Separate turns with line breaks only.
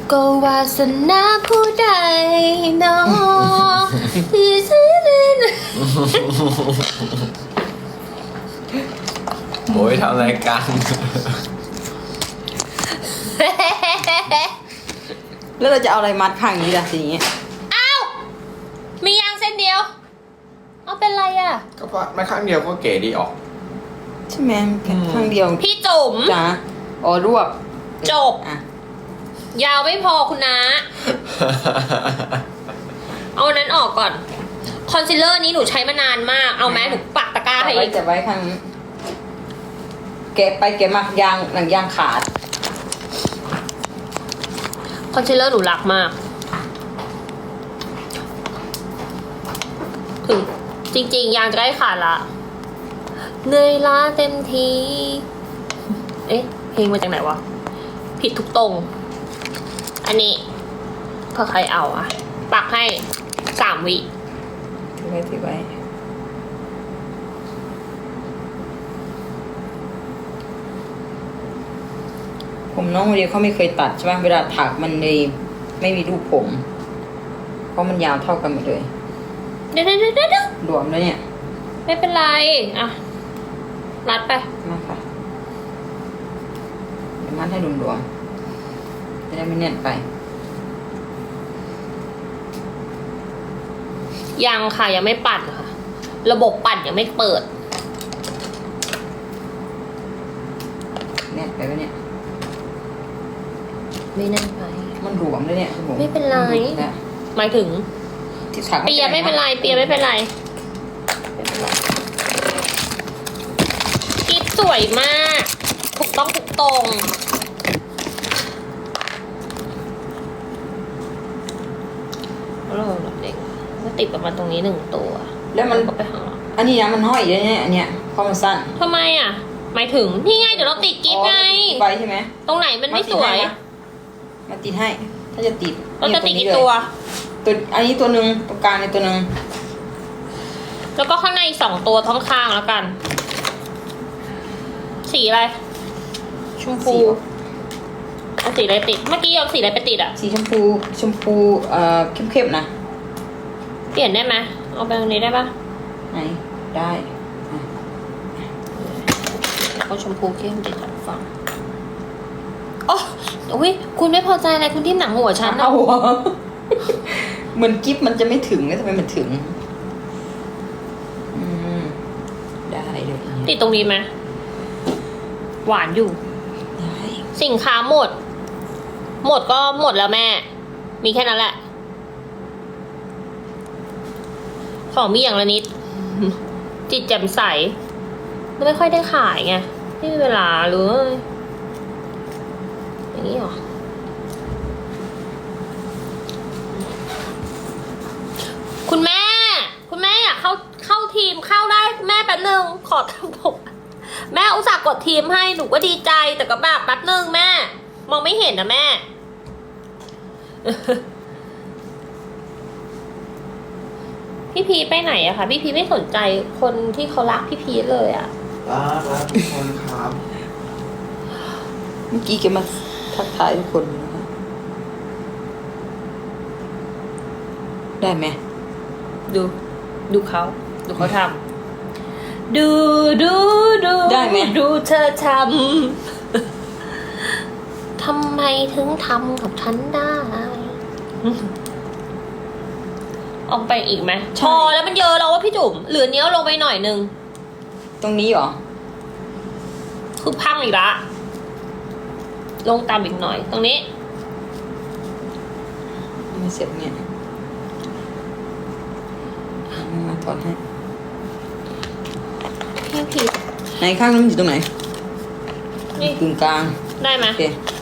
ก็วาสนาผู้ใดเนาะที่ซื้อเล่น
โอ้ยทำรายการ
แล้วเราจะเอาอะไรมัดข้างนี้ล่ะทีนี้
อ้าวมียางเส้นเดียวเอาเป็นไรอ่ะ
ก็เพราะไม่ข้างเดียวก็เก๋ดีออก
ใช่ไหมแค่ข้างเดียว
พี่จุ๋ม
จ้าอ๋อรวบ
จบ
อ่ะ
ยาวไม่พอคุณนะเอาอันนั้นออกก่อนคอนซีลเลอร์นี้หนูใช้มานานมากเอาแม้หนูปักตะกร้าให้อีก
จะไว้ข้างนี้แกะไปแกะมายางหนังยางขาด
คอนซีลเลอร์หนูรักมากถึงจริงๆยางจะได้ขาดละเหนื่อยล้าเต็มทีเอ๊ะเพลงมาจากไหนวะผิดทุกตรงอันนี้เพื่อใครเอาอะปักให้3 วิ
ถือไว้ผมน้องเดียวเขาไม่เคยตัดใช่ไหมเวลาถักมันเลยไม่มีรูปผม เพราะมันยาวเท่ากันหมดเลย
เดี๋ยว
รวมแล้วเนี่ย
ไม่เป็นไรอ่ะรัดไป
มาค่ะเดี๋ยวมัดให้รวมๆจะได้ไม่แน่นไป
ยังค่ะยังไม่ปั่นค่ะ ระบบปั่นยังไม่เปิด
แน่นไปไหมเนี่ย
ไม่แน่นไป
มันหลวมเลยเนี่ยคุณผม
ไม่เป็นไร
มัหลุดแล้ว
หมายถึง
ที่ถัก
เปียไม่เป็นไรเปียไม่เป็นไรกิ๊บสวยมากถูกต้องถูกตรงแล้วเราเด็กก็ติดประมาณตรงนี้1 ตัว
แล้วมัน
ก็ไปข้างหลัง
อันนี้นะมันห้อยอยู่เนี่ยอันเนี้ยเพราะมันสั้น
ทำไมอ่ะ หมายถึงนี่ไงเดี๋ยวเราติดกิ๊บไง
อ๋อไปใช่ไหม
ตรงไหนมันไม่สวย
มาติดให้ ถ้าจะติด
เราจะติด
นี่
กี่ตัว
ตัวอันนี้ตัวหนึ่งตรงกลางในตัวหนึ่ง
แล้วก็ข้างในอีก2 ตัวท้องข้างแล้วกัน สีอะไร ชมพูเอาสีอะไรติด เมื่อกี้เอาสีอะไรไปติดอ่ะ
สีชมพูเข้มๆนะ
เปลี่ยนได้ไหมเอาไปตรงนี้ได้ปะ
ไหนได้อ่ะ
เอาชมพูเข้มติดกับฝั่งโอ้อุ้ยคุณไม่พอใจอะไรคุณทิ่มหนังหัวฉันนะ
เอาหัว เหมือนกิ๊บมันจะไม่ถึงแล้วทำไมมันถึง อืมได้เลย
ติดตรงนี้ไหมหวานอยู่
ได้
สินค้าหมด หมดก็หมดแล้วแม่ มีแค่นั้นแหละ ของมีอย่างละนิด จิตแจ่มใสไม่ค่อยได้ขายไงไม่มีเวลาเลยอย่างนี้หรอ คุณแม่ คุณแม่อยากเข้าทีมเข้าได้แม่แป๊บนึงขอทำผมแม่อุตส่าห์กดทีมให้หนูก็ดีใจแต่ก็แบบแป๊บนึงแม่ มองไม่เห็นนะแม่ พี่พีไปไหนอะคะพี่พีไม่สนใจคนที่เขารักพี่พีเลยอะ
รักทุกคนครับ
เมื่อกี้แกมาทักทายทุกคนนะคะได้ไหม
ดูเขาทำดูดูเธอทำทำไมถึงทำกับฉันได้ออกไปอีกไหมพอแล้วมันเยอะแล้วว่าพี่จุ๋มเหลือเนี้ยลงไปหน่อยนึง
ตรงนี้เหรอ
คือพังอีกละลงตามอีกหน่อย ตรงนี้
ไม่เสร็จเนี่ยมาถอดให้
พี่พี
ไหนข้างนั้นมันอยู่ตรงไหน
นี่
กึ่งกลาง
ได้ไหม
โอเค